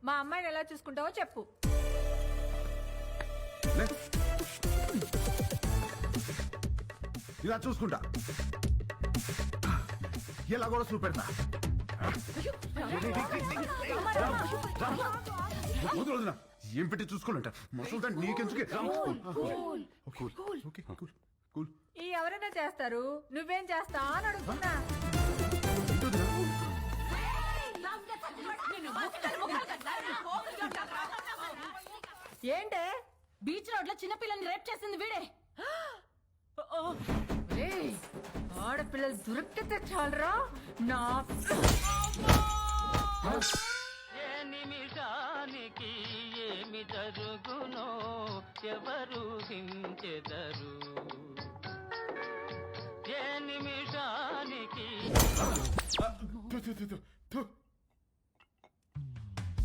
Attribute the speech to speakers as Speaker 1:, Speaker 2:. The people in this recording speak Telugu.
Speaker 1: మా అమ్మాయిని ఎలా చూసుకుంటావో చెప్పు.
Speaker 2: లే. ఇలా చూసుకుంటా, ఎలా కూడా చూపెడతా. వదిన ఏం పెట్టి చూసుకోవాలంట మసలు నీకెందుకే.
Speaker 1: ఈ ఎవరైనా చేస్తారు, నువ్వేం చేస్తా అని అడుగుతున్నా. ఏంటే
Speaker 3: బీచ్ రోడ్ లో చిన్నపిల్లని రేప్ చేసింది వీడే.
Speaker 1: ఏయ్, ఆడపిల్లలు దొరికితే చాలరా నా.
Speaker 4: ఏ నిమిషానికి ఏమి జరుగునో ఎవరు హించెదరు. ఏ నిమిషానికి